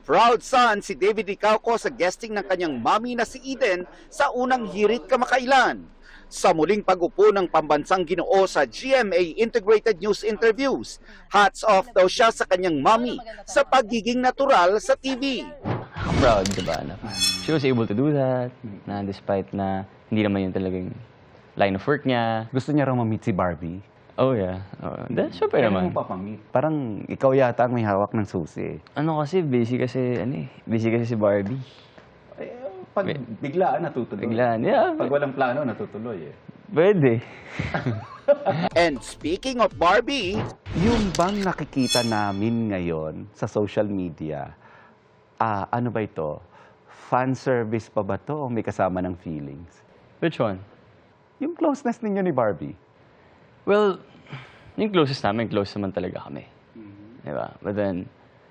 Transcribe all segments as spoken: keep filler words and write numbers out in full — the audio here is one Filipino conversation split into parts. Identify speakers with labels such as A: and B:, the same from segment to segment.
A: Proud son si David Ricauco sa guesting ng kanyang mami na si Eden sa unang hirit kamakailan. Sa muling pag-upo ng pambansang Ginoo sa G M A Integrated News Interviews, hats off daw siya sa kanyang mami sa pagiging natural sa T V.
B: Proud, diba? Na she was able to do that, na despite na hindi naman yun talagang line of work niya.
C: Gusto niya raw ma-meet si Barbie.
B: Oh, yeah. Oh, that's syempre naman.
C: Kailan mo papamit? Parang ikaw yata ang may hawak ng susi.
B: Ano kasi, busy kasi, ano eh, busy kasi si Barbie.
C: Eh, pag biglaan, natutuloy.
B: Biglaan, yeah.
C: Pag walang plano, natutuloy eh.
B: Pwede.
A: And speaking of Barbie,
C: Yung bang nakikita namin ngayon sa social media, ah, ano ba ito? Fan service pa ba to o may kasama ng feelings?
B: Which one?
C: Yung closeness ninyo ni Barbie.
B: Well, yung closest namin, close naman talaga kami. Diba? But then,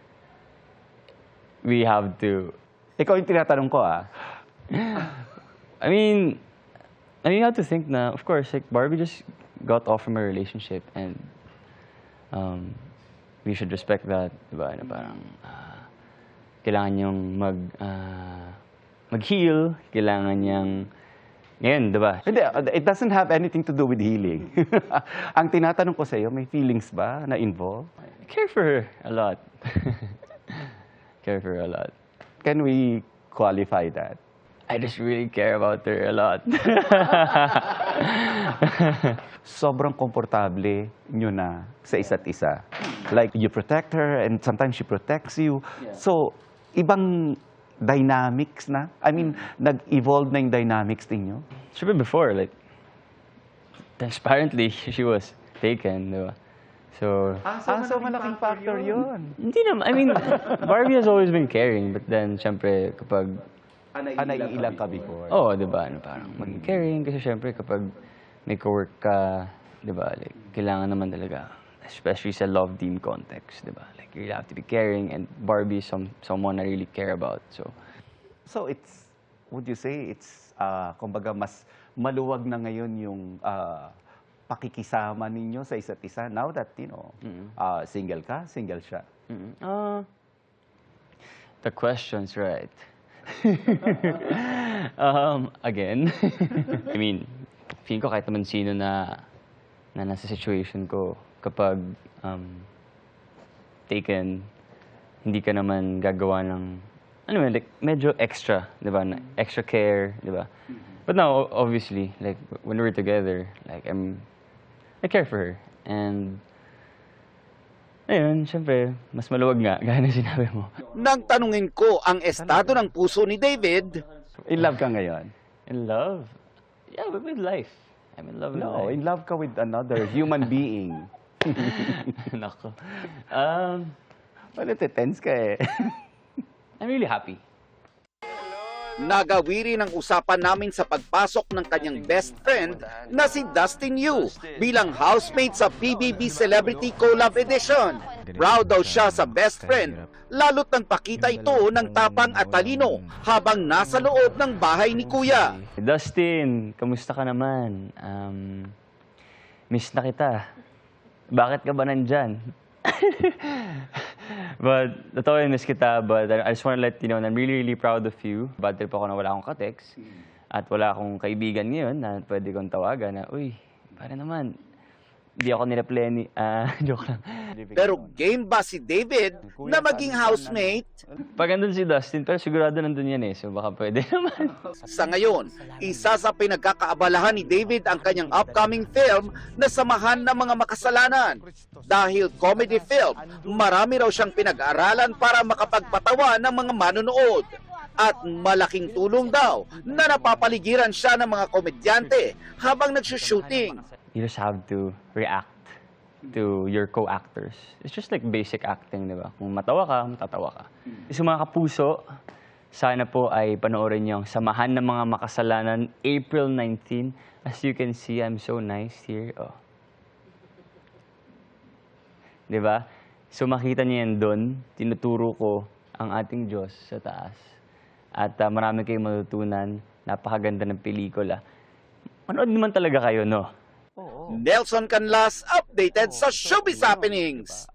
B: we have to...
C: Ikaw yung tinatanong ko ah.
B: I mean, I mean, you have to think na, of course, like, Barbie just got off from a relationship and um, we should respect that, diba? Na parang, uh, kailangan niyang mag, uh, mag-heal, kailangan niyang, ngayon, diba?
C: Hindi, it doesn't have anything to do with healing. Ang tinatanong ko sa iyo, may feelings ba na involved?
B: I care for her a lot. Care for her a lot.
C: Can we qualify that?
B: I just really care about her a lot.
C: Sobrang komportable nyo na sa isa't isa. Like, you protect her and sometimes she protects you. So, ibang dynamics na? I mean, nag-evolve na yung dynamics ninyo?
B: Siyempre before, like, transparently, she was taken, di ba? So,
C: Ah, so, malaking factor yun.
B: hindi naman, I mean, Barbie has always been caring, but then, siyempre, kapag,
C: Ah, naiilang ka before.
B: oo, oh, di ba, ano, parang maging caring, kasi siyempre, kapag may co-work ka, di ba, like, kailangan naman talaga, especially sa love team context, di ba? Like, you really have to be caring, and Barbie is some, someone I really care about, so.
C: So, it's, would you say, it's, uh, kumbaga, mas maluwag na ngayon yung uh, pakikisama ninyo sa isa't isa now that, you know, uh, single ka, single siya.
B: Mm-hmm. Uh, the question's right. um, again, I mean, feeling ko kahit naman sino na, na nasa situation ko, kapag um, taken, hindi ka naman gagawa ng, ano man, like, medyo extra, di ba? Na extra care, di ba? But now, obviously, like, when we're together, like, I'm, I care for her. And, ayun, syempre, mas maluwag nga, gaya na sinabi mo.
A: nang tanungin ko ang estado ng puso ni David,
C: In love ka ngayon?
B: In love? Yeah, but with life. I'm in love with
C: No,
B: life.
C: in love ka with another human being.
B: Nako. Um,
C: Well, tense ka eh.
B: I'm really happy.
A: nagawiri ng usapan namin sa pagpasok ng kanyang best friend na si Dustin Yu bilang housemate sa P B B Celebrity Collab Edition. Proud daw siya sa best friend, lalo't nang pakita ito ng tapang at talino habang nasa loob ng bahay ni Kuya.
B: Dustin, kamusta ka naman? Um, miss na kita. Bakit ka ba nandyan? But, totoo yun, miss kita. But I just want to let you know, I'm really, really proud of you. Bad trip ako na wala akong ka-text. At wala akong kaibigan ngayon na pwede kong tawagan na, uy, para naman, di ako nireply ni... Ah, joke lang.
A: Pero game ba si David na maging housemate?
B: Pag andun si Dustin, pero sigurado nandun yan eh. So baka pwede naman.
A: Sa ngayon, isa sa pinagkakaabalahan ni David ang kanyang upcoming film na Samahan ng Mga Makasalanan. Dahil comedy film, marami raw siyang pinag-aaralan para makapagpatawa ng mga manonood. At malaking tulong daw na napapaligiran siya ng mga komedyante habang nagsushooting.
B: You just have to react to your co-actors. It's just like basic acting, di ba? Kung matawa ka, matatawa ka. So mga kapuso, sana po ay panoorin niyo ang Samahan ng Mga Makasalanan, April nineteenth. As you can see, I'm so nice here. Oh. Di ba? So makita niyo yan doon. Tinuturo ko ang ating Diyos sa taas. At uh, marami kayong matutunan. Napakaganda ng pelikula. Manood naman talaga kayo, no?
A: Nelson Canlas, updated sa Showbiz Happenings.